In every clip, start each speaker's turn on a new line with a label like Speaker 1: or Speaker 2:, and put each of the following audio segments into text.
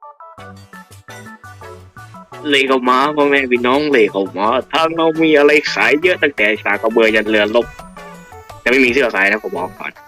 Speaker 1: เลยเข้ามาพ่อแม่พี่น้องเลยเข้ามาทางเรามีอะไรขายเยอะตั้งแต่สากกระเบือยันเรือรบแต่ไม่มีเสื้อขายนะผมบอกก่อน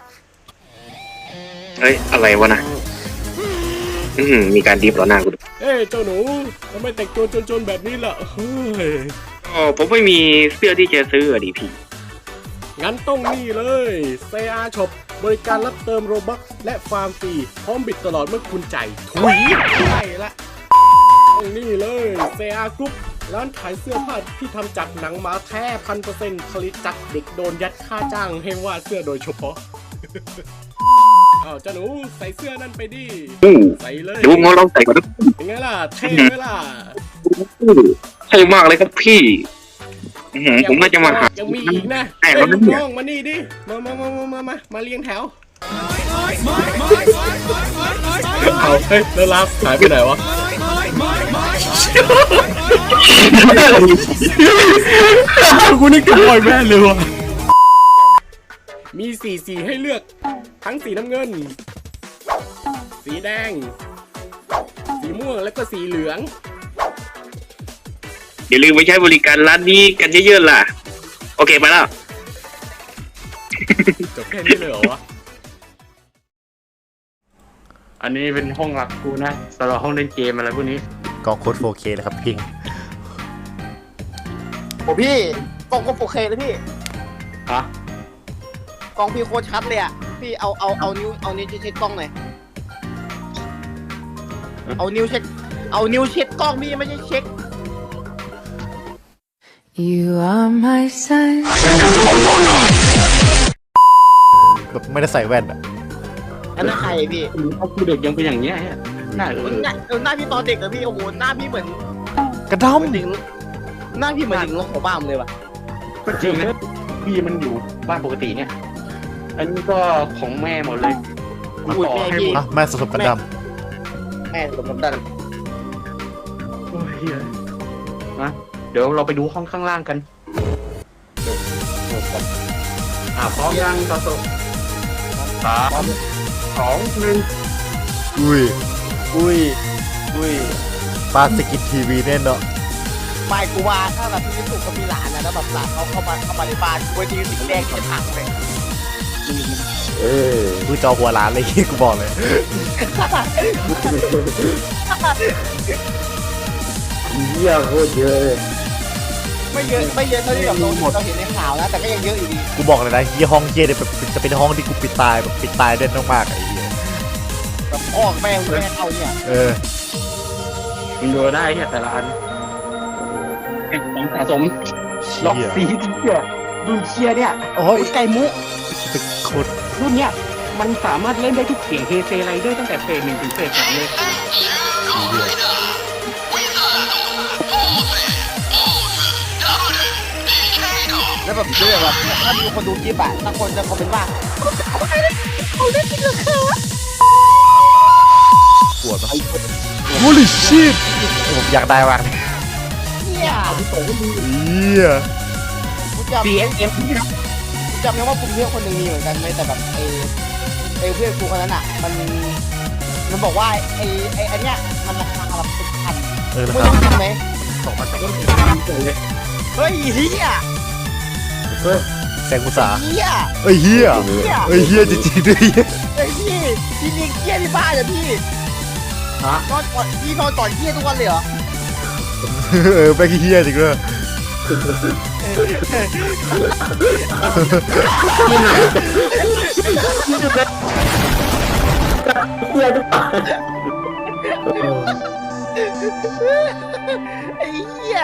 Speaker 1: เฮ้ยอะไรวะนะมีการดิฟต่อหน้ากูด้วย
Speaker 2: เอ้ยเจ้าหนูทำไมแต่งตัวจนๆแบบนี้ล่ะเฮ้ย
Speaker 1: อ๋อผมไม่มีเสื้อที่จะซื้ออะดิพี่
Speaker 2: งั้นต้องนี่เลยเซอาช็อปบริการรับเติมโรบัคและฟาร์มฟรีพร้อมบิดตลอดเมื่อคุณจ่ายถุยใช่ละต้องนี่เลยเซอากรุ๊ปร้านขายเสื้อผ้าที่ทำจากหนังหมาแท้1,000%ผลิตจากเด็กโดนยัดค่าจ้างให้วาดเสื้อโดยเฉพาะ อ้าวเจ้าหนูใส่เสื้อนั่นไปดิใส่เลย
Speaker 1: ดูงอลองใส่ก่อนนะ
Speaker 2: เป็นไงล่ะเท่ไหมล่ะ
Speaker 1: ใช่มากเลยครับพี่ผมน่าจะมาหา
Speaker 2: ยังมีอีกนะ
Speaker 1: แต่
Speaker 2: เฮ้ย
Speaker 1: เรา
Speaker 2: ลูก
Speaker 1: เนี่ย
Speaker 2: น้องมานี่ดิมาเรียงแถวเอาเฮ้ยแล้วลาฟหายไปไหนวะกูนึกถึงบอยแม่เลยวะมีสีให้เลือกทั้งสีน้ำเงินสีแดงสีม่วงแล้วก็สีเหลือง
Speaker 1: อย่าลืมไปใช้บริการร้านนี้กันเยอะๆล่ะโอเคไปแล้ว
Speaker 2: จบแค่นี้เลยเหรอวะ
Speaker 3: อันนี้เป็นห้องหลักกูนะสำหรับห้องเล่นเกมอะไรพวกนี้
Speaker 4: กองโค้ด 4K เลยครับพิง
Speaker 5: โอ้พี่กล้องก็ 4K เลยพี่
Speaker 3: ฮะ
Speaker 5: กล้องพี่โคตรชัดเลยอ่ะพี่เอานิ้วเช็ดกล้องหน่อยเอานิ้วเช็ดกล้องพี่ไม่ใช่เช็ค
Speaker 6: You are my sun.
Speaker 4: แบบไม่ได้ใส่แว่นอะ
Speaker 5: อันนั้นใครพี่
Speaker 3: เขาคือเด็กยังเป็นอย่างเงี้ยหน้า
Speaker 5: หน้าพี่ตอนเด็กเหรอพี่โอ้โหหน้าพี่เหมือน
Speaker 4: กระด
Speaker 5: ถึงหน้าพี่เหมือนถึงลงของบ้านเลยว่ะ
Speaker 3: ก็จริงนะพี่มันอยู่บ้านปกติเนี่ย อันนี้ก็ของแม่หมดเลยมา
Speaker 5: อุ้ย
Speaker 3: ต่อ
Speaker 5: แม่
Speaker 3: ให้
Speaker 5: พี่
Speaker 3: หมด
Speaker 4: ำแม่สดๆกระด
Speaker 5: แม่สมดัน
Speaker 3: โอ้ยเหี้ยนะเดี๋ยวเราไปดูห้องข้างล่างกันพร้อมยังต่อสู้3 2 1
Speaker 4: อุ้ย
Speaker 5: อุ้ย
Speaker 4: ปาสกิททีวีแน่เนาะ
Speaker 5: ไม่กูว่าถ้าแบบพี่สุกกับพี่หลานนะแล้วแบบหลานเขาเข้ามาในบ้านกูไปทีสีแดงที่จะพังเลย
Speaker 4: กูจอหัวร้านเลยกูบอกเลย
Speaker 3: เหี้ยโคตรเยอะเลย
Speaker 5: ไม่เยอะเท่าที่แบบเราเห็นในข่าวนะแต่ก็ยังเยอะอยู่ดี
Speaker 4: กูบอกเลยนะยี่ห้องเยี่ยเนี่ยแบบจะเป็นห้องที่กูปิดตายแบบปิดตายได้มากๆไอ้เหี้ย
Speaker 5: แบบออกแม่เข้าเนี่ย
Speaker 3: มึงดูได้เนี่ยแต่ละอันของสะสมล็อก
Speaker 4: เชี่ย
Speaker 3: สีที่เชี่ยรุ่นเชียเนี่ย
Speaker 4: โอ้ย
Speaker 5: ไก่มุ
Speaker 4: โคตร
Speaker 3: รุ่นเนี้ยมันสามารถเล่นได้ทุกเสียงเฮเซไรเดอร์ตั้งแต่เฟส 1 ถึงเฟส 3เลย
Speaker 5: แล้วแบบด้วยแบบถ้ามีคนดูคลิปอะถ้าคนจะคอมเมนต์ว่าเขาเล่นจริงเหรอคะ
Speaker 4: ปวดมาก Holy shit ผมอยากได้มากเลย
Speaker 5: เนี่ย
Speaker 4: เหี้ย
Speaker 5: กูจำ
Speaker 3: BSM
Speaker 5: กูจำได้ว่ากูเพื่อนคนหนึ่งมีเหมือนกันเลยแต่แบบไอ้เพื่อนกูคนนั้นอะมันบอกว่าไอ้อันเนี้ยมันราคาแบบ10,000
Speaker 4: นะ
Speaker 5: มึง
Speaker 4: ครับ
Speaker 5: รู้จริงไหม
Speaker 3: เลย
Speaker 5: เฮ้ยเฮีย
Speaker 4: แซงกุศา
Speaker 5: เฮีย
Speaker 4: เอ้ยเหี้ย
Speaker 5: เฮีย
Speaker 4: เอ้ยเหี้ยจริงๆด้วยเหี้ย
Speaker 5: ไอ้พี่เลี้ยงเฮียที่บ้านเหรอพี่
Speaker 3: ฮะ
Speaker 5: นอนก่อนเฮียทุกวันเลยเหรอ
Speaker 4: แม่งเหี้ยจริงด้วย
Speaker 5: ไอ้เหี้ย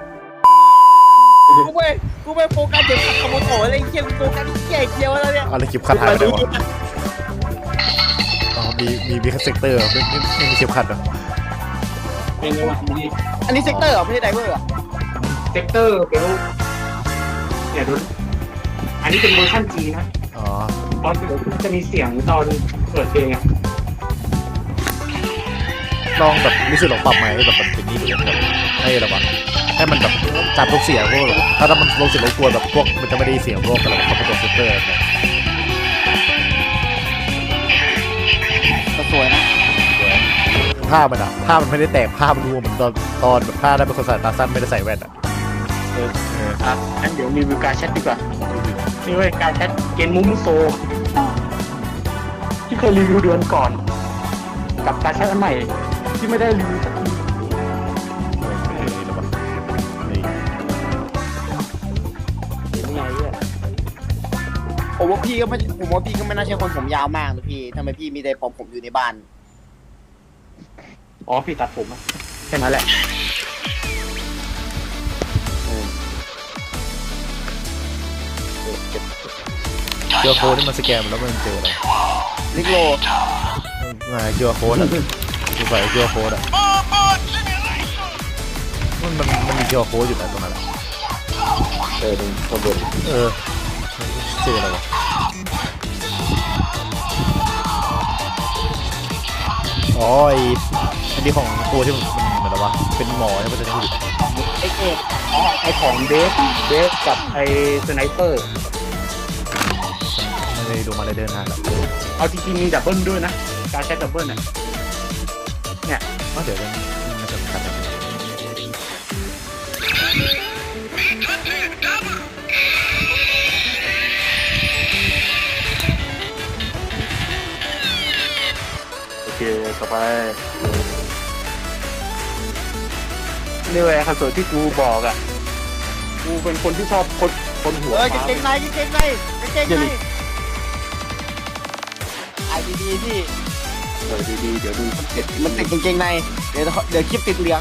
Speaker 5: กูไปโฟกัสเดี๋ยวขัดขโมยโถอะไรเหี้ยกูโฟกัสเหี้ยเดียวแล้วเนี่ย
Speaker 4: อะไรคลิปขัดหายไปไหนวะอ๋อมีคัสเซกเตอร์ไม่มีคลิปขัดเหรอ
Speaker 3: เป็นไงวะ
Speaker 5: อันนี้เซกเตอร์เหรอไม่ใช่ไดเวอร์เหรอ
Speaker 3: เซกเตอร์เบลเนี่ยดูอันนี้เป็นเวอร์ชันจีนะ
Speaker 4: อ๋อ
Speaker 3: ตอนเปิดจะมีเสียงตอนเปิดเพลงอ่ะ
Speaker 4: ลองแบบรู้สึกลองปรับไหมค์แบบมันเป็นนี่ดูแบบให้ระวังให้มันแบบจับทุกเสียงพวกแบบถ้ามันลงเสียงรบกวนแบบพวกมันจะไม่ได้เสียงพวกอะไรคอมพิวเตอร์ฟิลเตอร์เนี่ย
Speaker 5: สวยนะ
Speaker 4: ผ้ามันอะผ้ามันไม่ได้แตกผ้ามันรวมเหมือนตอนแบบผ้าได้เป็นคนใส่ตาสั้นไม่ได้ใส่แว่นอะ
Speaker 3: งั้นเดี๋ยวรีวิวการแชทดีกว่านี่เว้ยการแชทเกนมุมโซที่เคยรีวิวเดือนก่อน กับการแชทอันใหม่ที่ไม่ได้รีวิวสักที
Speaker 4: นี่หรอวะนี่
Speaker 3: ยังไงเนี่ย
Speaker 5: ผมว่าพี่ก็ไม่น่าใช่คนผมยาวมากนะพี่ทำไมพี่มีแต่ผมอยู่ในบ้าน
Speaker 3: อ๋อพี่ตัดผมอะแค่นั้นแหละ
Speaker 4: เจอโค้ดที่มันสแกนมันแล้วมันเจออะไร
Speaker 5: ลิกโล
Speaker 4: มาเจอโค้ดอะคือใส่เจอโค้ดอะมันมีเจอโค้ดอยู่ไหนตรงนั้นอะ
Speaker 3: ตรงข้างบน
Speaker 4: เออชื่ออะไรวะอ๋ออันนี้ของตัวที่มันเหมือนอะไรวะเป็นหมอใช่ไหมจะพูด
Speaker 5: เอ็กเอ็ก
Speaker 3: อ๋อไอของเบสกับไอสไนเปอร์
Speaker 4: ไม่ได้ดูมาเลยเดินนานแล้ว
Speaker 3: เอาจริงๆมีดับเบิลด้วยนะ การแชทดับเบิลน่ะ
Speaker 4: เดี๋ยวมันจะขัดกัน
Speaker 3: โอเคต่อไปนี่เว้ยคอนโซลที่กูบอกอ่ะ กูเป็นคนที่ชอบคนหัว
Speaker 5: กางเกงในไอดีพี่
Speaker 3: ดีๆเดี๋ยวดูเสร็จ
Speaker 5: มันติดกางเกงในเดี๋ยวคลิปติดเหลือง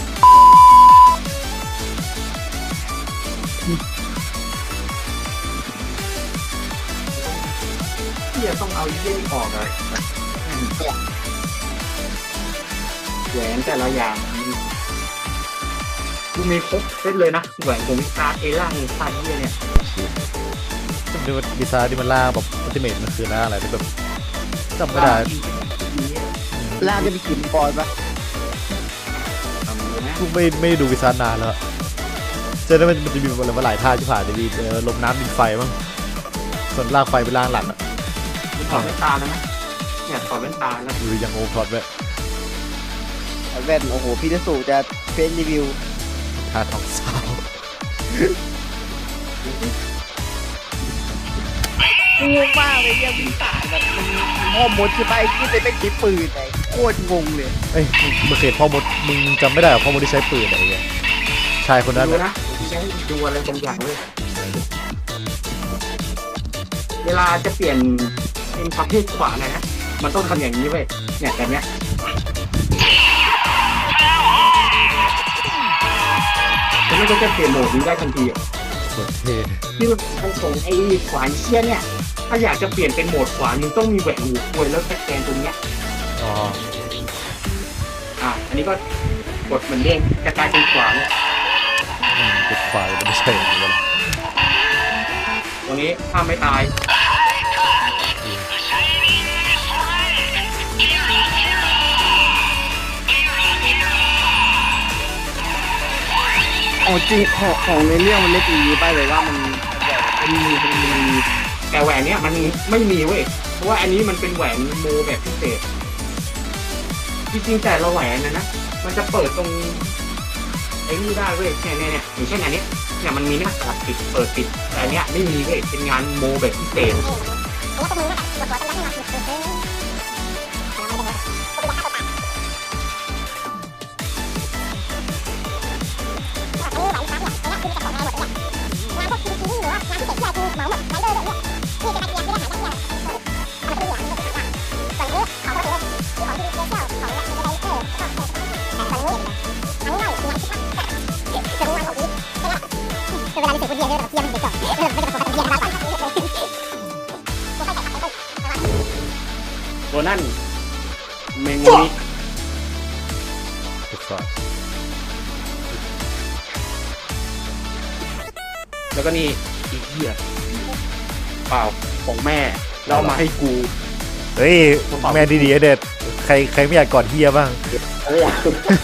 Speaker 3: ที่จะต้องเอาเยี่ยออกเลยแหวนแต่ละอย่างกูมีครบเซตเลยนะแหวนของวิชาเอล่าวิชาเยี่ยเนี่ย
Speaker 4: ดูดีไซน์ที่มันล่างแบบอัลติเมทมันคือล่างอะไรแบบจำไม่ได้
Speaker 5: ล่างจะมีกลิ่นปอนปะ
Speaker 4: กูไม่ดูวิซานานแล้วเจอแล้วมันจะมีอะไรมาหลายท่าที่ผ่านจะมีลมน้ำดินไฟมั้งส่วนล่างไฟเป็นล่างหลังอ่ะ
Speaker 3: ถอดแว่นตาแล้วนะเนี่ยถอดแว่นตาแล้ว
Speaker 4: หรือยังโอพลอตไว้
Speaker 5: แว่นโอ้โหพี่จะสู่จะเฟซรีวิว
Speaker 4: ท่าทองสาว
Speaker 5: งงมากเลยเนี่ยวิ่งตายแบบมันพ่อมดใช่ไหมที่เป็นไม่ใช้ปืนไงโคตรงงเลย
Speaker 4: เอ้ยมึงเคยพ่อมดมึงจำไม่ได้หรอพ่อมดที่ใช้ปืนอะไรเงี้ยชายคนนั้น
Speaker 3: ดู
Speaker 4: อะ
Speaker 3: นะจะให้ดูอะไรบางอย่างเลยเวลาจะเปลี่ยนเป็นประเภทขวานะมันต้องทำอย่างนี้เว้ยเนี่ยแบบเนี้ยแล้วมันก็จะเปลี่ยนโหมดนี้ได้ทันทีอ่ะ
Speaker 4: โคตรเท่
Speaker 3: ที่มันของไอ้ขวานเชี่ยเนี่ยถ้าอยากจะเปลี่ยนเป็นโหมดขวานมึงต้องมีแหวนหูควยแล้วสแกนตรงเนี้ย
Speaker 4: อ๋อ
Speaker 3: อันนี้ก็กดเหมือนเด้งจะกลายเป็นขวาน
Speaker 4: จุดไฟมันไม่ใช่เหมือนกัน
Speaker 3: ตรงนี้ถ้าไม่ตาย
Speaker 5: อ๋อจริงของในเรื่องมันเล็กอย่างนี้ไปเลยว่ามัน
Speaker 3: มันมีแต่แหวนเนี้ยมันไม่มีเว้ยเพราะว่าอันนี้มันเป็นแหวนโมแบบพิเศษจริงๆแต่ละแหวนนะมันจะเปิดตรงไอ้นี่ได้เว้ยเนี่ยอย่างเช่นอันนี้เนี่ยมันมีหน้าตาปิดเปิดปิดแต่อันเนี้ยไม่มีเว้ยเป็นงานโมแบบพิเศษตัวนั่นเมงวันนี้
Speaker 4: จุดไฟ
Speaker 3: แล้วก็นี่อีกเหี้ยเปล่าของแม่แล้วเอามาให้กู
Speaker 4: เฮ้ยแมนดีๆเด็ดใครไม่อยากกอดเฮียบ้าง
Speaker 7: ไม่อยาก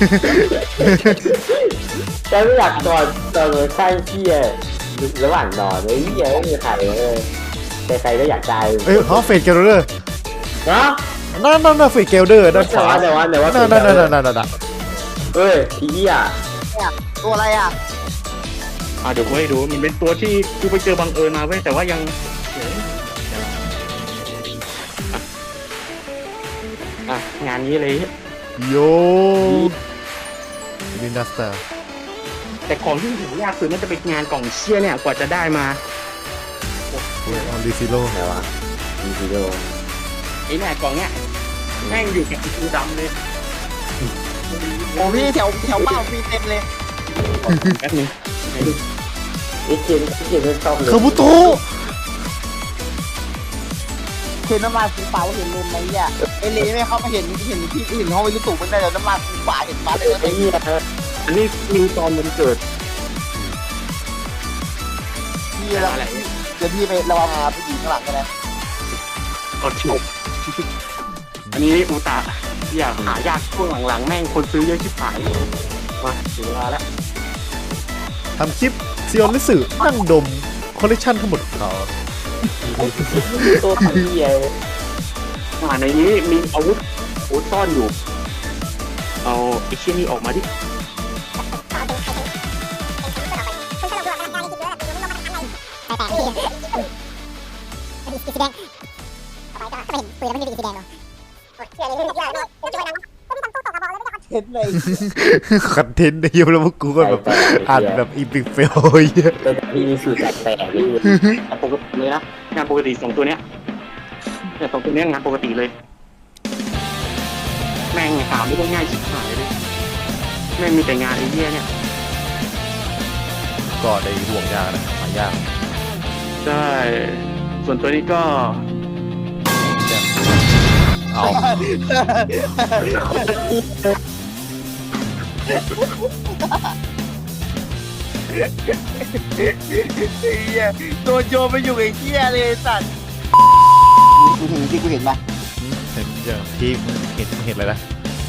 Speaker 7: แต่ไม่อยากตอนข้างเที่ยระหว่างนอนไอ้เหี้ยไม่มีใครเลยใครๆก็อยากตาย
Speaker 4: เอ้ยฮอฟเฟดกันเลย
Speaker 7: เนาะ
Speaker 4: นั่นฟรีเกลเดอร์ด้านขวา
Speaker 7: แต่ว่า
Speaker 4: นั่น
Speaker 7: เฮ้ยพี่อ่ะ
Speaker 5: เนี่ยตัวอะไรอ่ะ
Speaker 3: เดี๋ยวกูให้ดูมันเป็นตัวที่กูไปเจอบังเอิญมาเว้ยแต่ว่ายังงานนี้เลย
Speaker 4: โยลินดัสเตอร์
Speaker 3: แต่ของที่หายากคือมันจะเป็นงานกล่องเชี่ยเนี่ยกว่าจะได้มา
Speaker 4: ออนดิซิโล
Speaker 7: ไหนวะมีวิดีโอ
Speaker 3: ไอ้เนี่ยกล่องเนี้ยแม่งอยู่กับกูดำเลย
Speaker 5: โอ้พี่แถวบ้านมีเต็มเลย
Speaker 3: แป๊บนึง
Speaker 7: ไอ้เกมไม่ชอบเลย
Speaker 4: คาบุโตะ
Speaker 5: เห็นน้ำมันฟูฟ้าเห็นลุนไหมอ่ะไอเลไม่เข้ามาเห็นที่อื่นเขาไม่รู้ตู่มันได้แล้วน้ำมันฟูฟ้าเห็นฟ้าเลย
Speaker 7: ไอ้เหี้ย
Speaker 3: อันนี้มีตอนมันเกิด
Speaker 5: พี่แล้วเดี๋ยวพี่ไประวังผู้หญิงข้างหลังกันนะ
Speaker 3: ก็ฉบอันนี้อูตะอยากหายากช่วงหลังๆแม่งคนซื้อเยอะชิบหายมาถึงเวลาแล้ว
Speaker 4: ทำคลิปซีออนลิสึนั่งดมคอลเลคชันทั้งหมดของเขา
Speaker 7: ตัวพี่เหี้ย
Speaker 3: ในนี้มีอาวุธซ่อนอยู่เอาไอ้เชี่ยนี่ออกมาดิ
Speaker 5: เห็นเลย
Speaker 4: คอนเทนต์ในยูแล้วพวกกูก็แบบอ่านแบบอีพิกเฟลเยอะ
Speaker 7: ตัวพี่มีสูตรแตกเลย
Speaker 3: งานปกติเลยนะงานปกติ2ตัวเนี้ยเนี่ย2ตัวเนี้ยงานปกติเลย แม่งหาไม่ได้ง่ายชิบหายเลยแม่งมีแต่งานไอ้เหี้ยเนี่ย
Speaker 4: ก็ได้ห่วงยากนะหายาก
Speaker 3: ใช่ส่วนตัวนี้ก็
Speaker 4: เอา
Speaker 5: ตัวโยมไปอยู่ไอ้เหี้ยเลยสัตว์กูเห็นที่กูเห็นปะ
Speaker 4: เห็นอย่างที่มึงเห็นอะไรนะ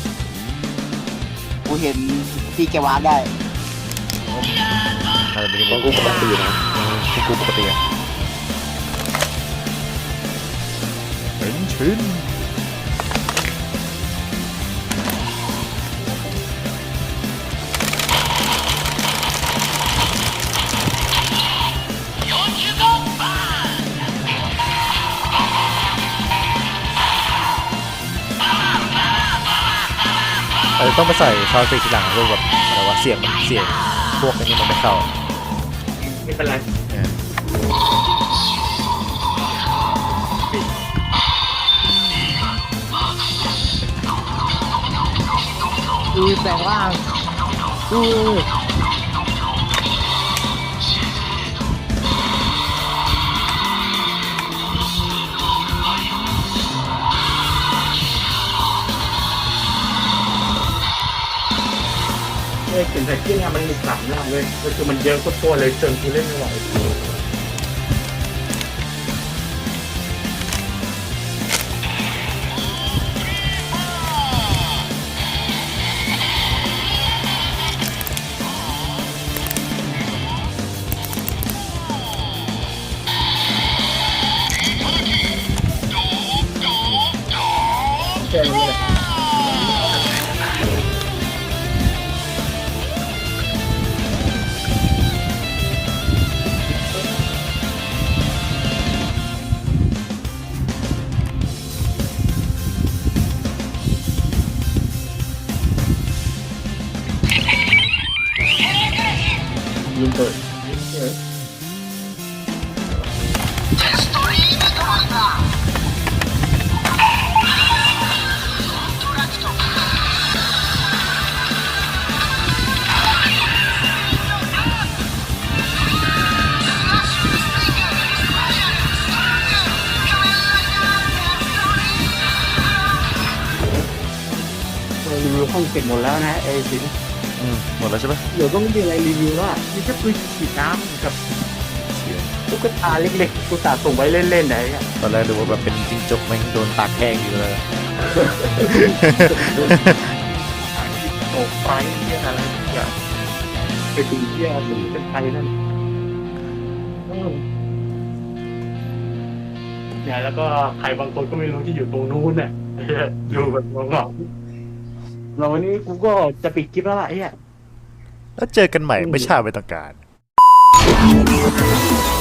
Speaker 5: กูเห็นที่แกวาร์ปได้
Speaker 4: อะไรเป็น
Speaker 7: ของกูปกตินะ
Speaker 4: ที่กูปกติอะเห็นชิ้นอาจจะต้องไปใส่ซาวด์เอฟเฟกต์ทีหลังพวกแบบอะไรวะเสียงพวกนี้มันไม่เข้า
Speaker 3: ไม่เป็นไร
Speaker 4: เนี่ย
Speaker 5: แปลงร่าง
Speaker 3: เห็นแต่ที่เนี่ยมันมี3ร่างเลยก็คือมันเยอะโคตรเลยจนกูเล่นไม่ไหวแค่นี้แหละ ลืมเปิดรีวิวห้องเสร็จหมดแล้วนะไอ้สิน
Speaker 4: หมดแล้วใช่ไหม
Speaker 3: เดี๋ยวก็ไม่มีอะไรรีวิวแล้วอ่ะมีแค่ปืนฉีดน้ำกับตุ๊กตาเล็กๆกูตาส่งไว้เล่นๆไหนอ่ะ
Speaker 4: ตอนแรกดูว่าแบบเป็นจิ้งจกแม่งโดนตากแห้งอยู่เลย
Speaker 3: ตกไฟเที่ยอะไรอย่างไปถึงเที่ยถึงเป็นไฟนั่นเนี่ยแล้วก็ใครบางคนก็ไม่รู้ที่อยู่ตรงนู้นเนี่ยดูแบบงงๆเราวันนี้กูก็จะปิดคลิปแล้วล่ะไอ้เหี้ย
Speaker 4: แล้วเจอกันใหม่ไม่ช้าไม่ต้องการ